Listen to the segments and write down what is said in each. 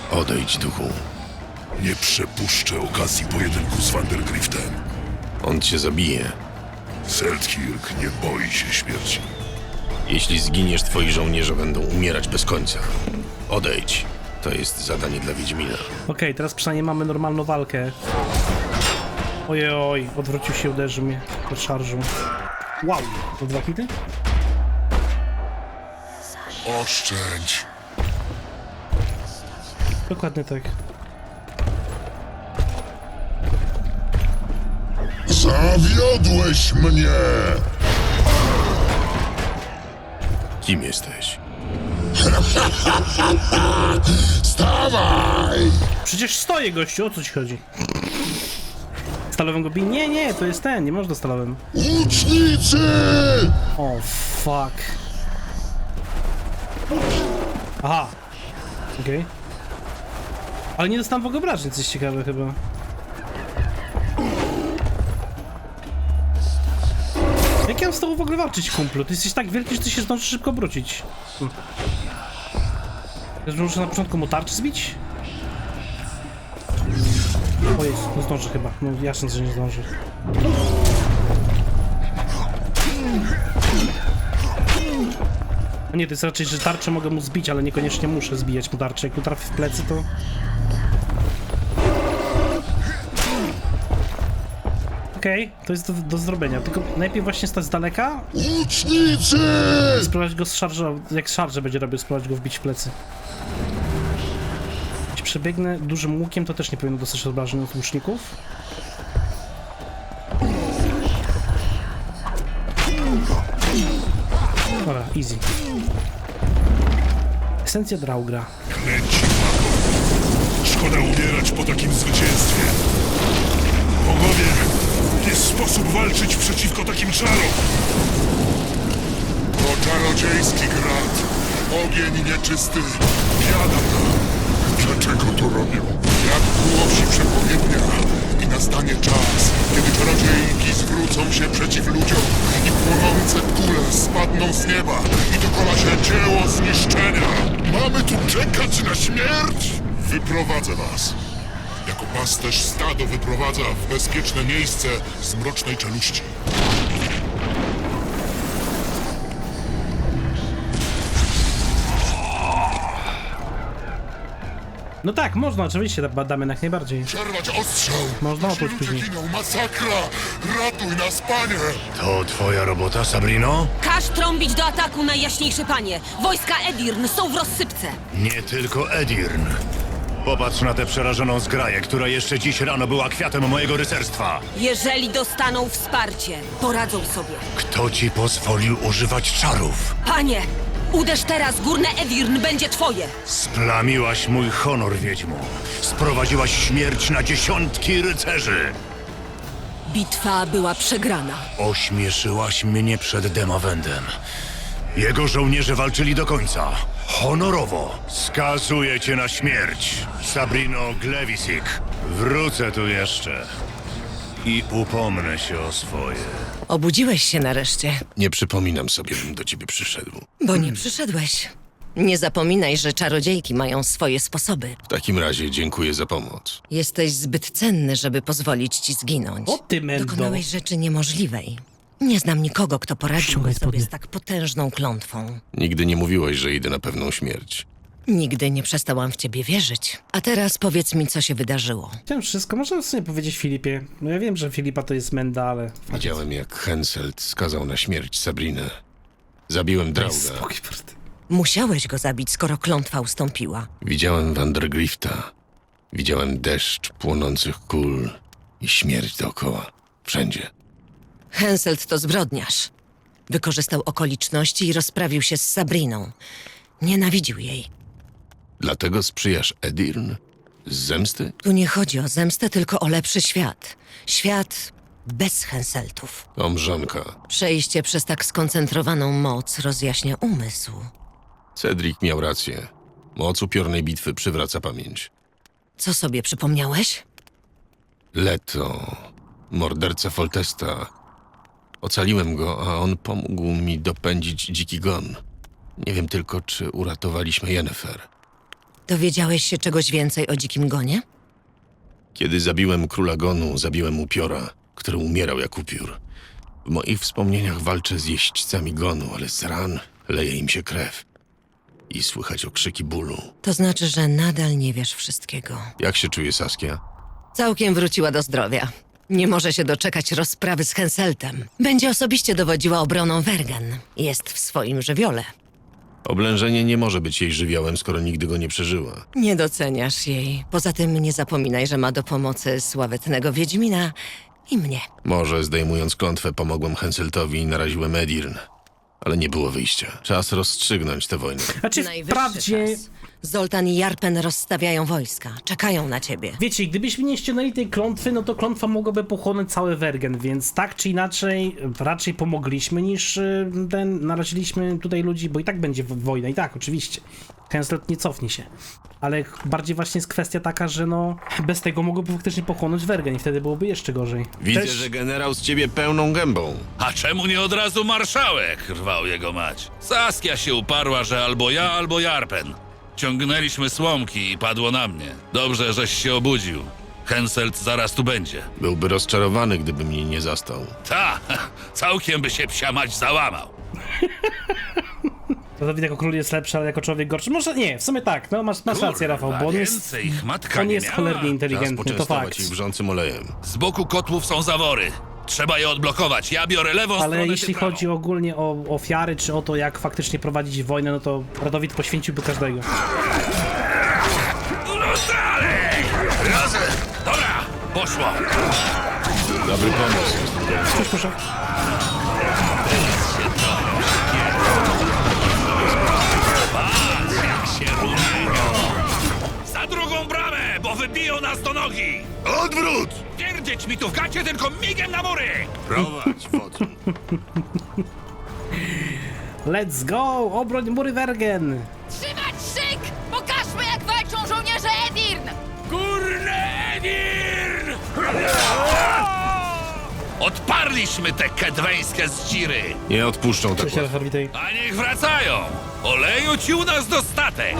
Odejdź, duchu. Nie przepuszczę okazji pojedynku z Vandergriftem. On cię zabije. Seltkirk nie boi się śmierci. Jeśli zginiesz, twoi żołnierze będą umierać bez końca. Odejdź. To jest zadanie dla Wiedźmina. Okej, teraz przynajmniej mamy normalną walkę. Ojej, odwrócił się, uderzył mnie pod szarżą. Wow, to 2 hity? Oszczędź. Dokładnie tak. Zawiodłeś mnie! Kim jesteś? Stawaj! Przecież stoję, gościu, o co ci chodzi? Stalowym go bij? Nie, to jest ten, nie można stalowym. Łucznicy! O, fuck. Aha. Okej. Ale nie dostałem w ogóle obrażeń, coś ciekawe chyba. Jak ja mam z tobą w ogóle walczyć, kumplu? Ty jesteś tak wielki, że ty się zdążysz szybko obrócić. Muszę na początku mu tarczy zbić? O Jezu, nie zdąży chyba. No jasne, że nie zdąży. No nie, to jest raczej, że tarczę mogę mu zbić, ale niekoniecznie muszę zbijać mu tarczę. Jak mu trafi w plecy, to... Okej, to jest do zrobienia, tylko najpierw właśnie stać z daleka, Łucznicy! spróbować go z szarżą, jak szarżę będzie robił, spróbować go wbić w plecy. Jeśli przebiegnę dużym łukiem, to też nie powinno dostać obrażeń od łuczników. Dobra, easy. Esencja Draugra. Klęci mago. Szkoda umierać po takim zwycięstwie. Bogowie, jest sposób walczyć przeciwko takim czarom. To czarodziejski grad. Ogień nieczysty. Biada. Dlaczego to robią? Jak głosi przepowiednia. I nastanie czas, kiedy czarodziejki zwrócą się przeciw ludziom i płonące kule spadną z nieba i dokona się dzieło zniszczenia. Mamy tu czekać na śmierć? Wyprowadzę was. Jako pasterz stado wyprowadza w bezpieczne miejsce z mrocznej czeluści. No tak, można, oczywiście, badamy jak najbardziej. Przerwać ostrzał! Można Nasi oprócz ludzie później. giną, masakra! Ratuj nas, panie! To twoja robota, Sabrino? Każ trąbić do ataku, najjaśniejszy panie! Wojska Edirn są w rozsypce! Nie tylko Edirn. Popatrz na tę przerażoną zgraję, która jeszcze dziś rano była kwiatem mojego rycerstwa. Jeżeli dostaną wsparcie, poradzą sobie. Kto ci pozwolił używać czarów? Panie, uderz teraz, górne Edirn będzie twoje! Splamiłaś mój honor, wiedźmo. Sprowadziłaś śmierć na dziesiątki rycerzy. Bitwa była przegrana. Ośmieszyłaś mnie przed Demawendem. Jego żołnierze walczyli do końca. Honorowo. Skazuję cię na śmierć, Sabrino Glewisik. Wrócę tu jeszcze. I upomnę się o swoje. Obudziłeś się nareszcie, Nie przypominam sobie, bym do ciebie przyszedł. bo nie przyszedłeś. Nie zapominaj, że czarodziejki mają swoje sposoby. W takim razie dziękuję za pomoc. Jesteś zbyt cenny, żeby pozwolić ci zginąć. O ty, mendo. Dokonałeś rzeczy niemożliwej. Nie znam nikogo, kto poradziłby Ściągaj sobie spodnie. z tak potężną klątwą. Nigdy nie mówiłeś, że idę na pewną śmierć. Nigdy nie przestałam w ciebie wierzyć. A teraz powiedz mi, co się wydarzyło. Chciałem wszystko, można sobie powiedzieć Filipie. No ja wiem, że Filipa to jest menda, ale... Widziałem, jak Henselt skazał na śmierć Sabrinę. Zabiłem Drauga. Spokój, proste. Musiałeś go zabić, skoro klątwa ustąpiła. Widziałem Vandergrifta. Widziałem deszcz płonących kul i śmierć dookoła. Wszędzie. Henselt to zbrodniarz. Wykorzystał okoliczności i rozprawił się z Sabriną. Nienawidził jej. Dlatego sprzyjasz Edirn? Z zemsty? Tu nie chodzi o zemstę, tylko o lepszy świat. Świat bez Henseltów. To mrzonka. Przejście przez tak skoncentrowaną moc rozjaśnia umysł. Cedric miał rację. Moc upiornej bitwy przywraca pamięć. Co sobie przypomniałeś? Leto, morderca Foltesta. Ocaliłem go, a on pomógł mi dopędzić dziki gon. Nie wiem tylko, czy uratowaliśmy Yennefer. Dowiedziałeś się czegoś więcej o Dzikim Gonie? Kiedy zabiłem króla Gonu, zabiłem upiora, który umierał jak upiór. W moich wspomnieniach walczę z jeźdźcami Gonu, ale z ran leje im się krew. I słychać okrzyki bólu. To znaczy, że nadal nie wiesz wszystkiego. Jak się czuje Saskia? Całkiem wróciła do zdrowia. Nie może się doczekać rozprawy z Henseltem. Będzie osobiście dowodziła obroną Wergen. Jest w swoim żywiole. Oblężenie nie może być jej żywiołem, skoro nigdy go nie przeżyła. Nie doceniasz jej. Poza tym nie zapominaj, że ma do pomocy sławetnego Wiedźmina i mnie. Może, zdejmując klątwę, pomogłem Henseltowi i naraziłem Edirn. Ale nie było wyjścia. Czas rozstrzygnąć tę wojnę. Znaczy, wprawdzie, czas. Zoltan i Jarpen rozstawiają wojska. Czekają na ciebie. wiecie, gdybyśmy nie ściągnęli tej klątwy, no to klątwa mogłaby pochłonąć cały Wergen, więc tak czy inaczej raczej pomogliśmy niż naraziliśmy tutaj ludzi, bo i tak będzie wojna, i tak, oczywiście. Henselt nie cofnie się. Ale bardziej właśnie jest kwestia taka, że no bez tego mogłoby faktycznie pochłonąć Wergen i wtedy byłoby jeszcze gorzej. Widzę, Też- że generał z ciebie pełną gębą. A czemu nie od razu marszałek? Rwał jego mać. Saskia się uparła, że albo ja, albo Jarpen. Ciągnęliśmy słomki i padło na mnie. Dobrze, żeś się obudził. Henselt zaraz tu będzie. Byłby rozczarowany, gdyby mnie nie zastał. Ta, całkiem by się psia mać załamał. Dawid jako król jest lepszy, ale jako człowiek gorszy. Może nie, w sumie tak, no masz rację, Rafał, bo on jest, Więcej ich matka on nie jest miała. cholernie Czas inteligentny, to poczęstować fakt. ich wrzącym olejem. Z boku kotłów są zawory. Trzeba je odblokować. Ja biorę lewą Ale stronę, jeśli ty prawą. chodzi ogólnie o ofiary, czy o to, jak faktycznie prowadzić wojnę, no to Radowid poświęciłby każdego. No dalej! Razem! Dobra, poszło. Dobry pomysł. Cóż, proszę. Się rumienią. Za drugą bramę, bo wybiją nas do nogi. Odwrót! Pierdzieć mi tu w gacie, tylko migiem na mury. Prowadź, wodzu. Let's go! Obroń mury Wergen! Trzymać szyk! Pokażmy, jak walczą żołnierze Edirn! Górne Edirn! Odparliśmy te kedweńskie zdziry. Nie odpuszczą tak Cześć, łatwo. Rafał, witaj. A niech wracają. Oleju ci u nas dostatek.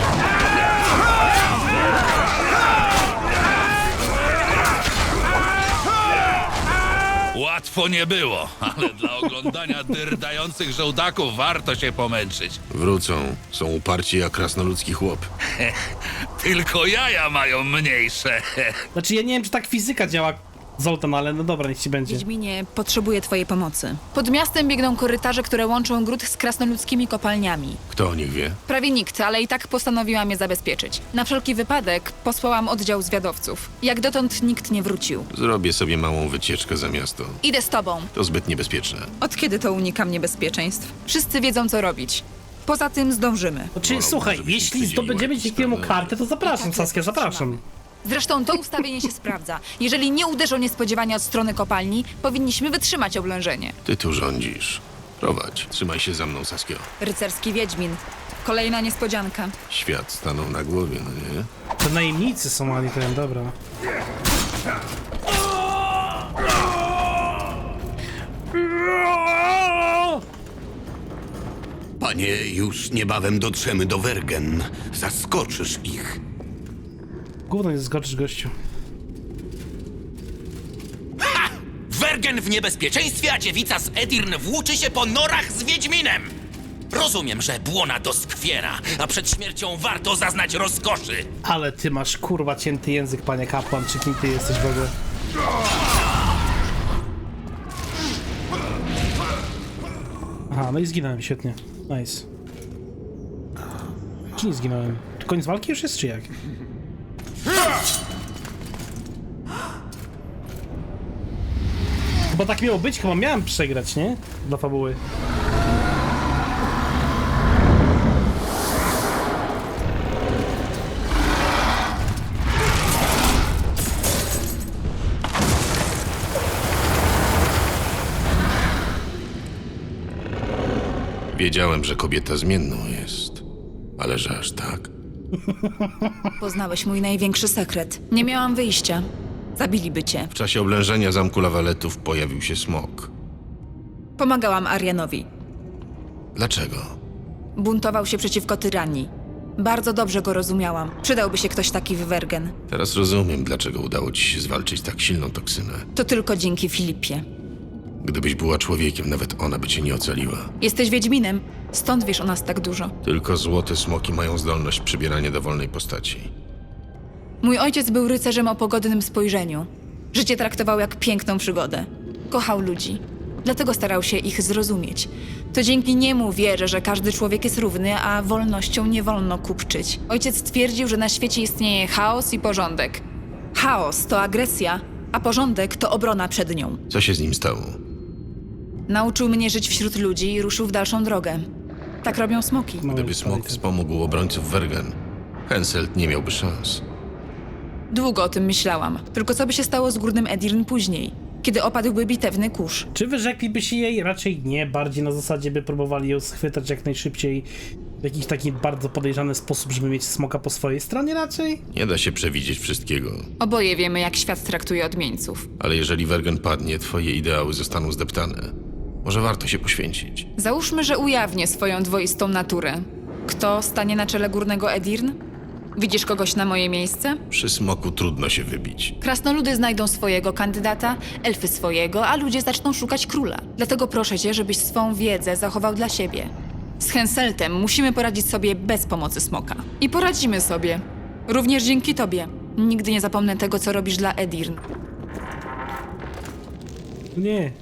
Łatwo nie było, ale dla oglądania dyrdających żołdaków warto się pomęczyć. Wrócą. Są uparci jak krasnoludzki chłop. Tylko jaja mają mniejsze. Znaczy, ja nie wiem, czy tak fizyka działa, Zoltan, ale no dobra, niech ci będzie. Wiedźminie, potrzebuję twojej pomocy. Pod miastem biegną korytarze, które łączą gród z krasnoludzkimi kopalniami. Kto o nich wie? Prawie nikt, ale i tak postanowiłam je zabezpieczyć. Na wszelki wypadek posłałam oddział zwiadowców. Jak dotąd nikt nie wrócił. Zrobię sobie małą wycieczkę za miasto. Idę z tobą. To zbyt niebezpieczne. Od kiedy to unikam niebezpieczeństw? Wszyscy wiedzą, co robić. Poza tym zdążymy. Znaczy, Wolałbym, słuchaj, żebyśmy jeśli stwierdzili zdobędziemy jakieś dzięki temu sprawy. kartę, to zapraszam, Saskia, zapraszam. Zresztą to ustawienie się sprawdza. Jeżeli nie uderzą niespodziewanie od strony kopalni, powinniśmy wytrzymać oblężenie. Ty tu rządzisz. Prowadź. Trzymaj się za mną, Saskio. Rycerski Wiedźmin. Kolejna niespodzianka. Świat stanął na głowie, no nie? To najemnicy są, ale ten, dobra. Panie, już niebawem dotrzemy do Wergen. Zaskoczysz ich. Gówno nie zgoczysz, gościu. Wergen w niebezpieczeństwie, a dziewica z Edirn włóczy się po norach z Wiedźminem! Rozumiem, że błona doskwiera, a przed śmiercią warto zaznać rozkoszy. Ale ty masz kurwa cięty język, panie kapłan, czy kim ty jesteś w ogóle? Aha, no i zginąłem, świetnie. Nice. Czy nie zginąłem? Czy koniec walki już jest, czy jak? Chyba tak miało być, chyba miałem przegrać, nie? Dla fabuły. Wiedziałem, że kobieta zmienną jest. Ale że aż tak? Poznałeś mój największy sekret. Nie miałam wyjścia. Zabiliby cię. W czasie oblężenia zamku Lawaletów pojawił się smok. Pomagałam Arianowi. Dlaczego? Buntował się przeciwko tyranii. Bardzo dobrze go rozumiałam. Przydałby się ktoś taki w Wergen. Teraz rozumiem, dlaczego udało ci się zwalczyć tak silną toksynę. To tylko dzięki Filipie. Gdybyś była człowiekiem, nawet ona by cię nie ocaliła. Jesteś Wiedźminem, stąd wiesz o nas tak dużo. Tylko złote smoki mają zdolność przybierania dowolnej postaci. Mój ojciec był rycerzem o pogodnym spojrzeniu. Życie traktował jak piękną przygodę. Kochał ludzi. Dlatego starał się ich zrozumieć. To dzięki niemu wierzę, że każdy człowiek jest równy, a wolnością nie wolno kupczyć. Ojciec twierdził, że na świecie istnieje chaos i porządek. Chaos to agresja, a porządek to obrona przed nią. Co się z nim stało? Nauczył mnie żyć wśród ludzi i ruszył w dalszą drogę. Tak robią smoki. No, Gdyby smok wspomógł obrońców Wergen, Henselt nie miałby szans. Długo o tym myślałam. Tylko co by się stało z Górnym Edirn później, kiedy opadłby bitewny kurz? Czy wyrzekliby się jej? Raczej nie, bardziej na zasadzie by próbowali ją schwytać jak najszybciej w jakiś taki bardzo podejrzany sposób, żeby mieć smoka po swojej stronie raczej? Nie da się przewidzieć wszystkiego, Oboje wiemy, jak świat traktuje odmieńców. ale jeżeli Wergen padnie, twoje ideały zostaną zdeptane. Może warto się poświęcić. Załóżmy, że ujawnię swoją dwoistą naturę. Kto stanie na czele Górnego Edirn? Widzisz kogoś na moje miejsce? Przy smoku trudno się wybić. Krasnoludy znajdą swojego kandydata, elfy swojego, a ludzie zaczną szukać króla. Dlatego proszę cię, żebyś swą wiedzę zachował dla siebie. Z Henseltem musimy poradzić sobie bez pomocy smoka. I poradzimy sobie. Również dzięki tobie. Nigdy nie zapomnę tego, co robisz dla Edirn. Nie.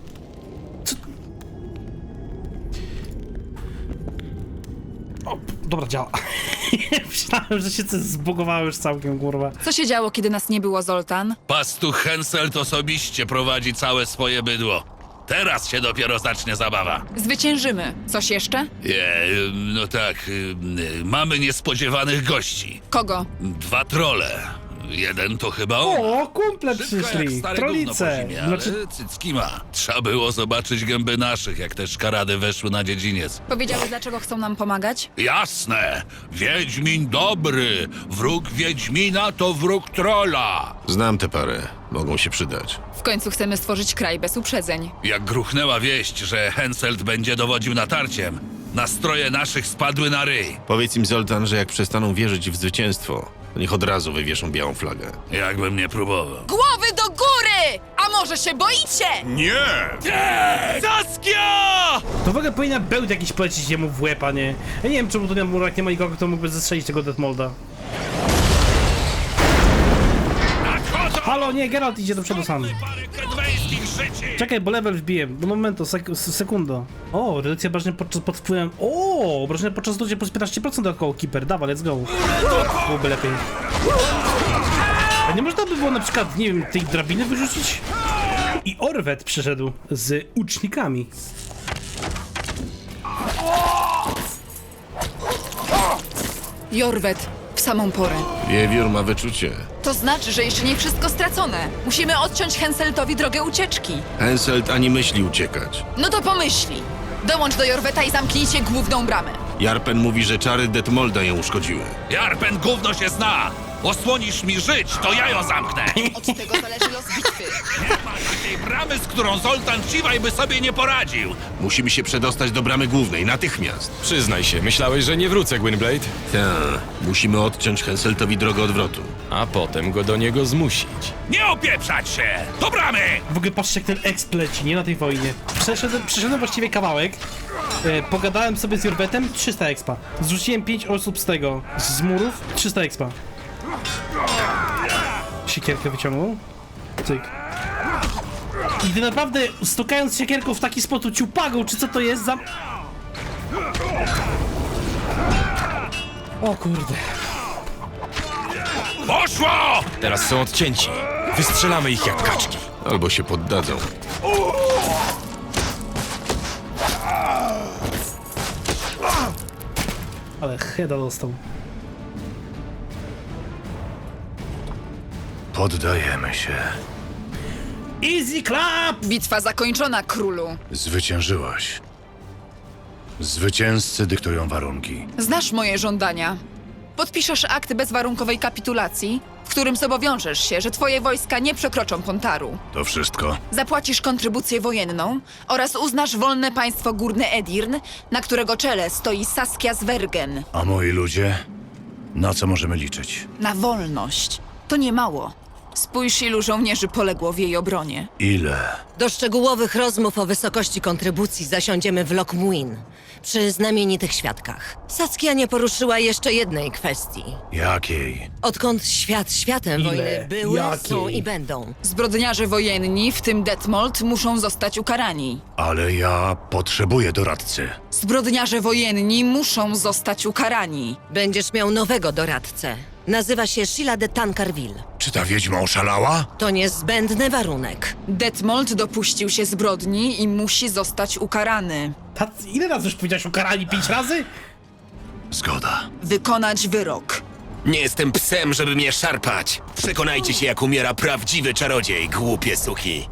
O, dobra, działa. Myślałem, że się coś zbugowało już całkiem, kurwa. Co się działo, kiedy nas nie było, Zoltan? Pastuch Henselt osobiście prowadzi całe swoje bydło. Teraz się dopiero zacznie zabawa. Zwyciężymy. Coś jeszcze? No tak, mamy niespodziewanych gości. Kogo? 2 trolle. Jeden to chyba on. O, kumple Szybko jak przyszli. stare gówno po Trolice. zimie, ale Znaczy, cycki ma. Trzeba było zobaczyć gęby naszych, jak te szkarady weszły na dziedziniec. Powiedziałeś, dlaczego chcą nam pomagać? Jasne! Wiedźmin dobry! Wróg Wiedźmina to wróg trolla! Znam tę parę. Mogą się przydać. W końcu chcemy stworzyć kraj bez uprzedzeń. Jak gruchnęła wieść, że Henselt będzie dowodził natarciem, nastroje naszych spadły na ryj. Powiedz im, Zoltan, że jak przestaną wierzyć w zwycięstwo, to niech od razu wywieszą białą flagę. Jakbym nie próbował. Głowy do góry! A może się boicie? Saskia! to w ogóle powinna bełt jakiś polecić jemu w łeb, a nie... Ja nie wiem, czemu tu na murach nie ma nikogo, kto mógłby zestrzelić tego Detmolda. Halo, nie, Geralt idzie do przodu sam. Czekaj, bo level wbiję. Do momentu, sekundo. O, redukcja obrażeń pod wpływem... O, obrażenia podczas zdjęcia plus 15% około Keeper. Dawaj, let's go. Byłoby lepiej. A nie można by było na przykład, nie wiem, tej drabiny wyrzucić? I Orwet przyszedł z ucznikami. Jorwet, w samą porę. Wiewiór ma wyczucie. To znaczy, że jeszcze nie wszystko stracone. Musimy odciąć Henseltowi drogę ucieczki. Henselt ani myśli uciekać. No to pomyśli. Dołącz do Jorweta i zamknijcie główną bramę. Jarpen mówi, że czary Detmolda ją uszkodziły. Jarpen gówno się zna! Osłonisz mi żyć, to ja ją zamknę! Od tego zależy los bitwy. Nie ma takiej bramy, z którą Zoltan Ciwaj by sobie nie poradził! Musimy się przedostać do bramy głównej, natychmiast. Przyznaj się, myślałeś, że nie wrócę, Gwynblade? Tak, musimy odciąć Henseltowi drogę odwrotu. A potem go do niego zmusić. Nie opieprzać się! Do bramy! W ogóle patrzcie, jak ten exp leci, nie? Na tej wojnie. Przeszedłem właściwie kawałek. Pogadałem sobie z Jorwetem, 300 expa. Zrzuciłem 5 osób z tego, z murów, 300 expa. Siekierkę wyciągnął. Cyk. I ty naprawdę, stukając siekierką w taki sposób ciupagą, czy co to jest za... O kurde. Poszło! Teraz są odcięci. Wystrzelamy ich jak kaczki. Albo się poddadzą. Ale heada dostał. Poddajemy się. Easy clap! Bitwa zakończona, królu. Zwyciężyłaś. Zwycięzcy dyktują warunki. Znasz moje żądania. Podpiszesz akt bezwarunkowej kapitulacji, w którym zobowiążesz się, że twoje wojska nie przekroczą Pontaru. To wszystko? Zapłacisz kontrybucję wojenną oraz uznasz wolne państwo Górny Edirn, na którego czele stoi Saskia z Wergen. A moi ludzie? Na co możemy liczyć? Na wolność. To nie mało. Spójrz, ilu żołnierzy poległo w jej obronie. Ile? Do szczegółowych rozmów o wysokości kontrybucji zasiądziemy w Lockmuin, przy znamienitych świadkach. Saskia nie poruszyła jeszcze jednej kwestii. Jakiej? Odkąd świat światem Ile? wojny były, Jakiej? są i będą. Zbrodniarze wojenni, w tym Detmold, muszą zostać ukarani. Ale ja potrzebuję doradcy. Zbrodniarze wojenni muszą zostać ukarani. Będziesz miał nowego doradcę. Nazywa się Sheila de Tancarville. Czy ta wiedźma oszalała? To niezbędny warunek. Detmold dopuścił się zbrodni i musi zostać ukarany. Ile razy już powiedziałeś ukarani? 5 razy? Zgoda. Wykonać wyrok. Nie jestem psem, żeby mnie szarpać. Przekonajcie się, jak umiera prawdziwy czarodziej, głupie suki.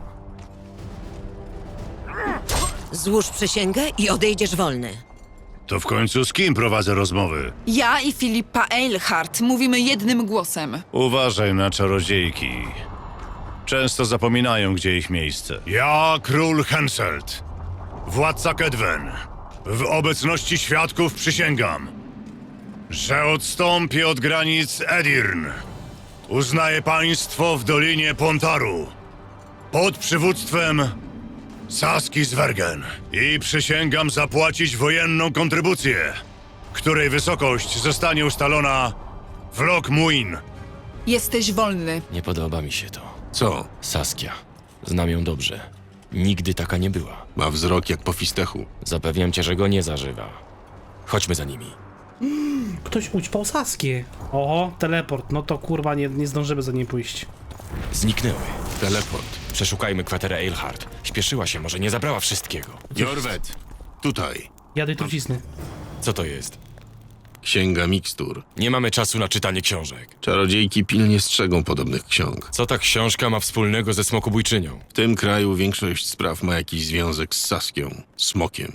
Złóż przysięgę i odejdziesz wolny. To w końcu z kim prowadzę rozmowy? Ja i Filipa Eilhart mówimy jednym głosem. Uważaj na czarodziejki. Często zapominają, gdzie ich miejsce. Ja, król Henselt, władca Kedwen, w obecności świadków przysięgam, że odstąpię od granic Edirn. Uznaję państwo w Dolinie Pontaru pod przywództwem Saski Zwergen i przysięgam zapłacić wojenną kontrybucję, której wysokość zostanie ustalona w Lockmuin. Jesteś wolny. Nie podoba mi się to. Co? Saskia. Znam ją dobrze. Nigdy taka nie była. Ma wzrok jak po fistechu. Zapewniam cię, że go nie zażywa. Chodźmy za nimi. Ktoś ućpał Saskię. Oho, teleport. No to kurwa, nie zdążymy za nim pójść. Zniknęły. Teleport. Przeszukajmy kwaterę Eilhart. Śpieszyła się, może nie zabrała wszystkiego. Jorwet, tutaj. Jady trucizny. Co to jest? Księga mikstur. Nie mamy czasu na czytanie książek. Czarodziejki pilnie strzegą podobnych ksiąg. Co ta książka ma wspólnego ze smokobójczynią? W tym kraju większość spraw ma jakiś związek z Saskią, smokiem.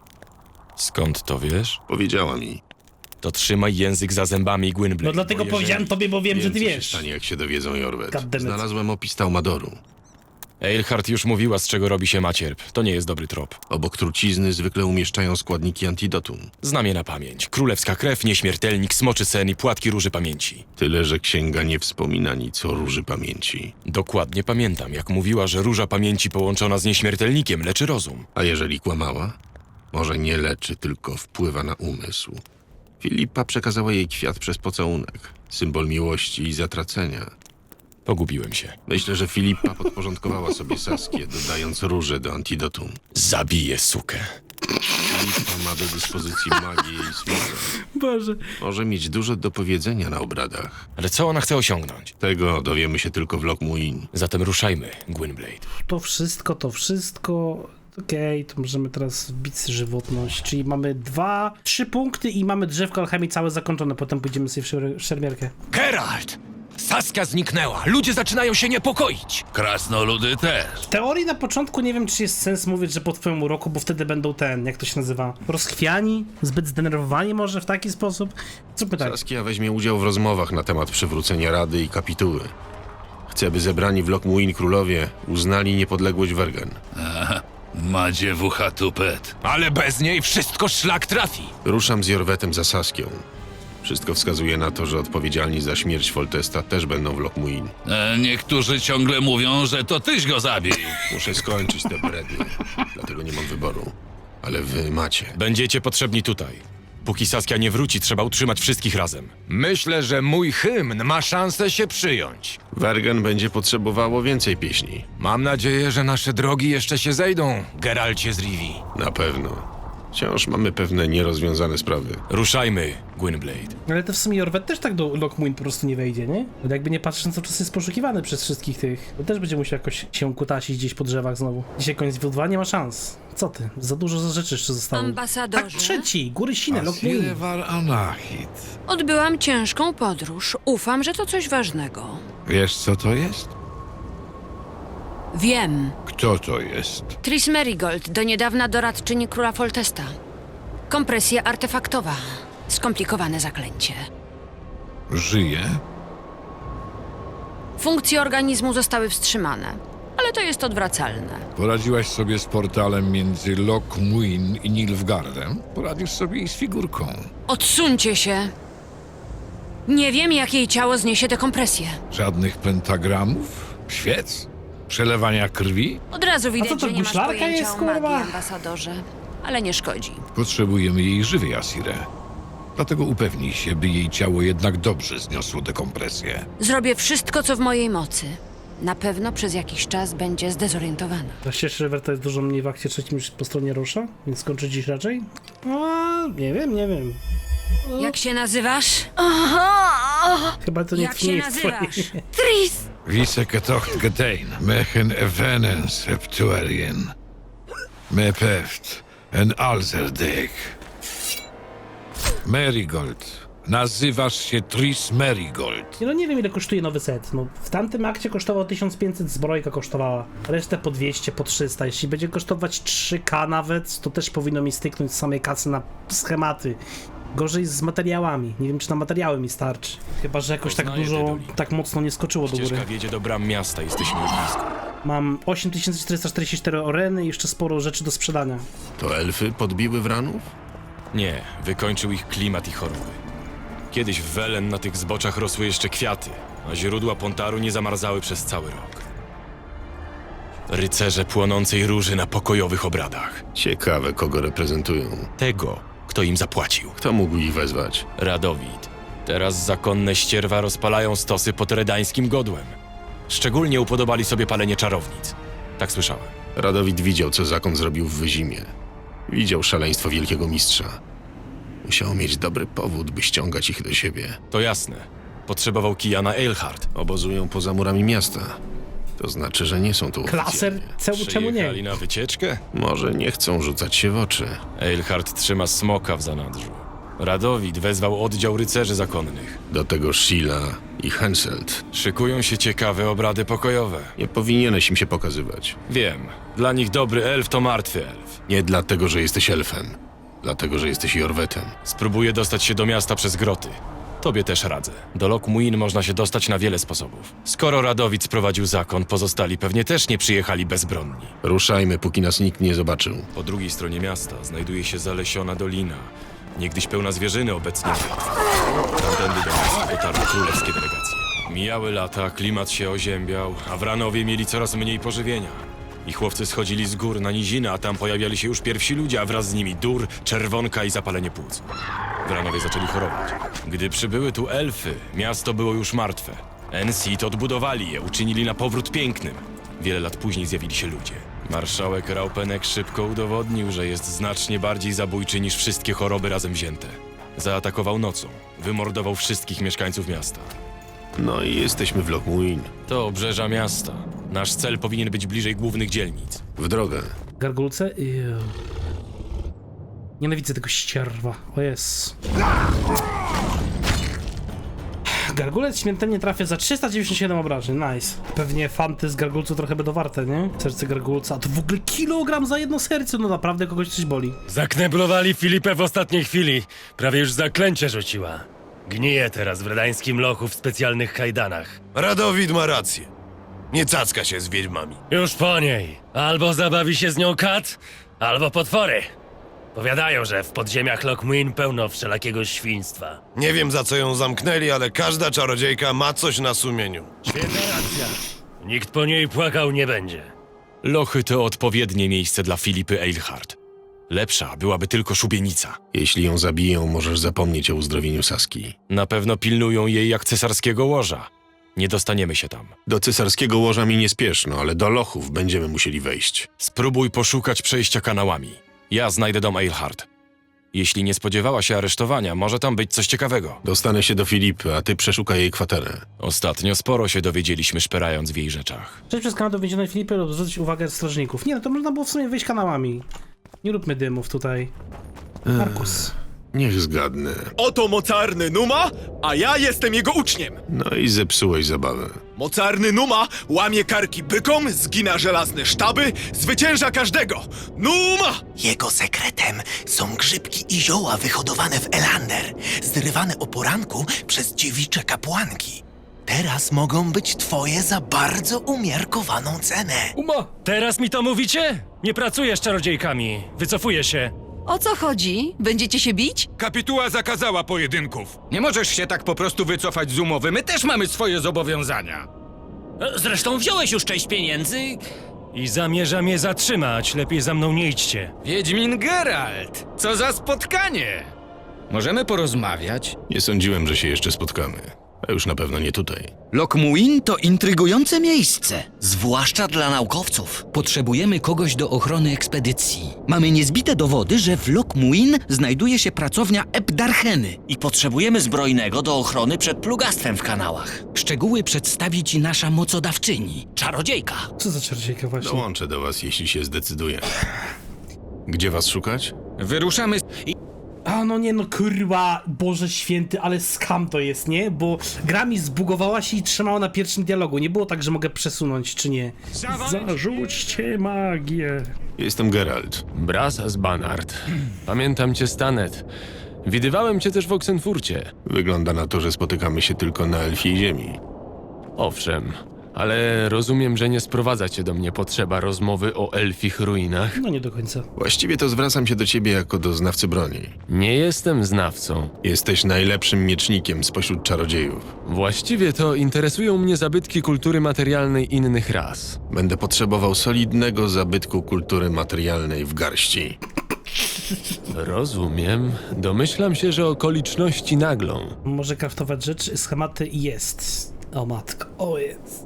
Skąd to wiesz? Powiedziała mi. To trzymaj język za zębami, Gwynblade. No dlatego bo powiedziałem tobie, bo wiem, że ty co się wiesz. stanie, jak się dowiedzą, Jorwet. Goddammit. Znalazłem opis Taumadoru. Eilhart już mówiła, z czego robi się macierp. To nie jest dobry trop. Obok trucizny zwykle umieszczają składniki antidotum. Znam je na pamięć. Królewska krew, nieśmiertelnik, smoczy sen i płatki róży pamięci. Tyle, że księga nie wspomina nic o róży pamięci. Dokładnie pamiętam, jak mówiła, że róża pamięci połączona z nieśmiertelnikiem leczy rozum. A jeżeli kłamała? Może nie leczy, tylko wpływa na umysł. Filipa przekazała jej kwiat przez pocałunek. Symbol miłości i zatracenia. Pogubiłem się. Myślę, że Filipa podporządkowała sobie Saskię, dodając róże do antidotum. Zabiję sukę. Filipa ma do dyspozycji magię i smoka. Boże. Może mieć dużo do powiedzenia na obradach. Ale co ona chce osiągnąć? Tego dowiemy się tylko w Lockmuin. Zatem ruszajmy, Gwynblade. To wszystko. Okej, to możemy teraz wbić żywotność. Czyli mamy 3 punkty i mamy drzewko alchemii całe zakończone. Potem pójdziemy sobie w szermierkę. Geralt! Saskia zniknęła. Ludzie zaczynają się niepokoić. Krasnoludy też. W teorii na początku nie wiem, czy jest sens mówić, że po twoim uroku, bo wtedy będą jak to się nazywa? Rozchwiani? Zbyt zdenerwowani może w taki sposób? Zróbmy tak. Saskia weźmie udział w rozmowach na temat przywrócenia Rady i Kapituły. Chce, by zebrani w Lockmuin królowie uznali niepodległość Wergen. Ma dziewucha tupet. Ale bez niej wszystko szlak trafi. Ruszam z Jorwetem za Saskią. Wszystko wskazuje na to, że odpowiedzialni za śmierć Foltesta też będą w Lockmuin. Niektórzy ciągle mówią, że to tyś go zabił. Muszę skończyć te brednie, dlatego nie mam wyboru. Ale wy macie. Będziecie potrzebni tutaj. Póki Saskia nie wróci, trzeba utrzymać wszystkich razem. Myślę, że mój hymn ma szansę się przyjąć. Wergen będzie potrzebowało więcej pieśni. Mam nadzieję, że nasze drogi jeszcze się zejdą, Geralcie z Rivii. Na pewno. Wciąż mamy pewne nierozwiązane sprawy. Ruszajmy, Gwynblade. Ale to w sumie Jorwet też tak do Lockmuin po prostu nie wejdzie, nie? Bo jakby nie patrząc, cały czas jest poszukiwany przez wszystkich tych. To też będzie musiał jakoś się kutasić gdzieś po drzewach znowu. Dzisiaj koniec W2 nie ma szans. Co ty? Za dużo rzeczy jeszcze zostało. Ambasadorze. Akt 3. Góry Sine, Lockmuin. Odbyłam ciężką podróż. Ufam, że to coś ważnego. Wiesz, co to jest? Wiem. Kto to jest? Tris Merigold, do niedawna doradczyni króla Foltesta. Kompresja artefaktowa. Skomplikowane zaklęcie. Żyje? Funkcje organizmu zostały wstrzymane, ale to jest odwracalne. Poradziłaś sobie z portalem między Lockmuin i Nilfgaardem? Poradzisz sobie i z figurką. Odsuńcie się! Nie wiem, jak jej ciało zniesie tę kompresję. Żadnych pentagramów? Świec? Przelewania krwi? Od razu co widać, to, że nie masz guślarka pojęcia jest, o magii, kurwa? ambasadorze. Ale nie szkodzi. Potrzebujemy jej żywej, Asire. Dlatego upewnij się, by jej ciało jednak dobrze zniosło dekompresję. Zrobię wszystko, co w mojej mocy. Na pewno przez jakiś czas będzie zdezorientowana. Właściwie Werta jest dużo mniej w akcie trzecim niż po stronie Rusza, więc skończy dziś raczej? O, nie wiem. Jak się nazywasz? Chyba to nie Jak się jest nazywasz? Tris! Wise ketocht gedein, mechen evenen septuarien. Mepeft, en alzerdek. Marigold. Nazywasz się Tris Marigold. Nie, no nie wiem ile kosztuje nowy set. No, w tamtym akcie kosztował 1500, zbrojka kosztowała. Resztę po 200, po 300. Jeśli będzie kosztować 3K nawet, to też powinno mi styknąć z samej kasy na schematy. Gorzej z materiałami. Nie wiem, czy na materiały mi starczy. Chyba, że jakoś tak Poznaję dużo, te doliny. tak mocno nie skoczyło do góry. Ścieżka wiedzie do bram miasta, jesteśmy już blisko. Mam 8444 oreny i jeszcze sporo rzeczy do sprzedania. To elfy podbiły Wranów? Nie, wykończył ich klimat i choroby. Kiedyś w Welen na tych zboczach rosły jeszcze kwiaty, a źródła Pontaru nie zamarzały przez cały rok. Rycerze płonącej róży na pokojowych obradach. Ciekawe, kogo reprezentują. Tego, kto im zapłacił. Kto mógł ich wezwać? Radowid. Teraz zakonne ścierwa rozpalają stosy pod redańskim godłem. Szczególnie upodobali sobie palenie czarownic. Tak słyszałem. Radowid widział, co zakon zrobił w Wyzimie. Widział szaleństwo wielkiego mistrza. Musiał mieć dobry powód, by ściągać ich do siebie. To jasne. Potrzebował kija Eilhart. Obozują poza murami miasta. To znaczy, że nie są tu Klaser? oficjalnie. Czemu nie? Przyjechali na wycieczkę? Może nie chcą rzucać się w oczy. Eilhart trzyma smoka w zanadrzu. Radowid wezwał oddział rycerzy zakonnych. Do tego Sheila i Henselt. Szykują się ciekawe obrady pokojowe. Nie powinieneś im się pokazywać. Wiem, dla nich dobry elf to martwy elf. Nie dlatego, że jesteś elfem. Dlatego, że jesteś Jorwetem. Spróbuję dostać się do miasta przez groty. Tobie też radzę. Do Loch Muin można się dostać na wiele sposobów. Skoro Radowid sprowadził zakon, pozostali pewnie też nie przyjechali bezbronni. Ruszajmy, póki nas nikt nie zobaczył. Po drugiej stronie miasta znajduje się zalesiona dolina. Niegdyś pełna zwierzyny, obecnie martwa. Tamtędy do miasta dotarły królewskie delegacje. Mijały lata, klimat się oziębiał, a Wranowie mieli coraz mniej pożywienia. Ich chłopcy schodzili z gór na nizinę, a tam pojawiali się już pierwsi ludzie, a wraz z nimi dur, czerwonka i zapalenie płuc. Wranowie zaczęli chorować. Gdy przybyły tu elfy, miasto było już martwe. Ensit odbudowali je, uczynili na powrót pięknym. Wiele lat później zjawili się ludzie. Marszałek Raupenek szybko udowodnił, że jest znacznie bardziej zabójczy niż wszystkie choroby razem wzięte. Zaatakował nocą, wymordował wszystkich mieszkańców miasta. No i jesteśmy w Loch Muin. To obrzeża miasta. Nasz cel powinien być bliżej głównych dzielnic. W drogę. Gargulce? Nienawidzę tego ścierwa. O jest. Gargulec śmiertelnie trafia za 397 obrażeń. Nice. Pewnie fanty z gargulcu trochę będą warte, nie? Serce gargulca. A to w ogóle kilogram za jedno serce. No naprawdę kogoś coś boli. Zakneblowali Filipę w ostatniej chwili. Prawie już zaklęcie rzuciła. Gnije teraz w redańskim lochu w specjalnych kajdanach. Radowid ma rację. Nie cacka się z wiedźmami. Już po niej. Albo zabawi się z nią kat, albo potwory. Powiadają, że w podziemiach Loch Muin pełno wszelakiego świństwa. Nie wiem, za co ją zamknęli, ale każda czarodziejka ma coś na sumieniu. Świetna racja. Nikt po niej płakał nie będzie. Lochy to odpowiednie miejsce dla Filipy Eilhart. Lepsza byłaby tylko szubienica. Jeśli ją zabiją, możesz zapomnieć o uzdrowieniu Saski. Na pewno pilnują jej jak cesarskiego łoża. Nie dostaniemy się tam. Do cesarskiego łoża mi nie spieszno, ale do lochów będziemy musieli wejść. Spróbuj poszukać przejścia kanałami. Ja znajdę dom Eilhart. Jeśli nie spodziewała się aresztowania, może tam być coś ciekawego. Dostanę się do Filipy, a ty przeszukaj jej kwaterę. Ostatnio sporo się dowiedzieliśmy szperając w jej rzeczach. Przejść przez kanał do więzionej Filipy lub zwrócić uwagę strażników. Nie no, to można było w sumie wejść kanałami. Nie róbmy dymów tutaj. Markus. Niech zgadnę. Oto mocarny Numa, a ja jestem jego uczniem. No i zepsułeś zabawę. Mocarny Numa łamie karki bykom, zgina żelazne sztaby, zwycięża każdego. Numa! Jego sekretem są grzybki i zioła wyhodowane w Elander, zrywane o poranku przez dziewicze kapłanki. Teraz mogą być twoje za bardzo umiarkowaną cenę. Teraz mi to mówicie? Nie pracuję z czarodziejkami. Wycofuję się. O co chodzi? Będziecie się bić? Kapituła zakazała pojedynków. Nie możesz się tak po prostu wycofać z umowy. My też mamy swoje zobowiązania. Zresztą wziąłeś już część pieniędzy i zamierzam je zatrzymać. Lepiej za mną nie idźcie. Wiedźmin Geralt, co za spotkanie! Możemy porozmawiać? Nie sądziłem, że się jeszcze spotkamy. A już na pewno nie tutaj. Lokmuin to intrygujące miejsce, zwłaszcza dla naukowców. Potrzebujemy kogoś do ochrony ekspedycji. Mamy niezbite dowody, że w Lokmuin znajduje się pracownia Ebdarcheny i potrzebujemy zbrojnego do ochrony przed plugastwem w kanałach. Szczegóły przedstawi ci nasza mocodawczyni, czarodziejka. Co za czarodziejka właśnie? Dołączę do was, jeśli się zdecyduję. Gdzie was szukać? Wyruszamy A no nie no kurwa, Boże święty, ale skam to jest, nie? Bo gra mi zbugowała się i trzymała na pierwszym dialogu. Nie było tak, że mogę przesunąć, czy nie. Zarzućcie magię. Jestem Geralt. Bras z Banard. Pamiętam cię, Stanet. Widywałem cię też w Oksenfurcie. Wygląda na to, że spotykamy się tylko na Elfiej Ziemi. Owszem, ale rozumiem, że nie sprowadza cię do mnie potrzeba rozmowy o elfich ruinach. No nie do końca. Właściwie to zwracam się do ciebie jako do znawcy broni. Nie jestem znawcą. Jesteś najlepszym miecznikiem spośród czarodziejów. Właściwie to interesują mnie zabytki kultury materialnej innych ras. Będę potrzebował solidnego zabytku kultury materialnej w garści. Rozumiem. Domyślam się, że okoliczności naglą. Może kraftować rzeczy, schematy i jest. O matko, o jest.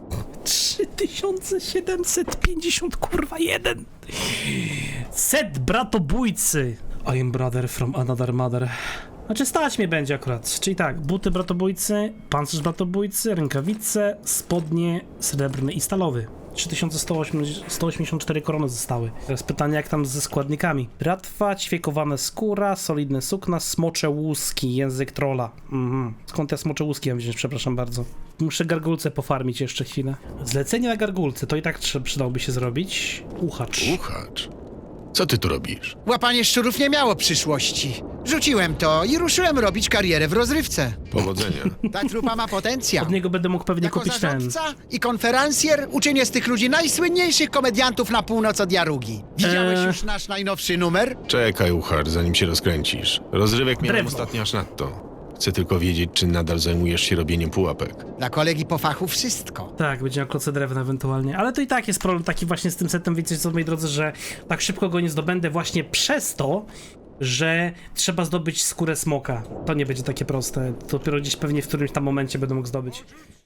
3750, kurwa, jeden. Set bratobójcy. I am brother from another mother. Znaczy stać mnie będzie akurat. Czyli tak, buty bratobójcy, pancerz bratobójcy, rękawice, spodnie srebrny i stalowy. 3184 korony zostały. Teraz pytanie, jak tam ze składnikami. Bratwa, ćwiekowana skóra, solidne sukna, smocze łuski, język trolla. Skąd ja smocze łuski mam wziąć, przepraszam bardzo. Muszę gargulce pofarmić jeszcze chwilę. Zlecenie na gargulce, to i tak przydałoby się zrobić. Uchacz. Uchacz? Co ty tu robisz? Łapanie szczurów nie miało przyszłości. Rzuciłem to i ruszyłem robić karierę w rozrywce. Powodzenia. Ta trupa ma potencjał. Od niego będę mógł pewnie Jako kupić ten. zarządca i konferencjer uczynię z tych ludzi najsłynniejszych komediantów na północ od Jarugi. Widziałeś już nasz najnowszy numer? Czekaj, Uchar, zanim się rozkręcisz. Rozrywek miałem Drewno. ostatnio aż nadto. Chcę tylko wiedzieć, czy nadal zajmujesz się robieniem pułapek. Dla kolegi po fachu wszystko. Tak, będzie miał kloce drewna ewentualnie. Ale to i tak jest problem taki właśnie z tym setem, wiecie co, moi drodzy, że tak szybko go nie zdobędę właśnie przez to, że trzeba zdobyć skórę smoka. To nie będzie takie proste. Dopiero gdzieś pewnie w którymś tam momencie będę mógł zdobyć.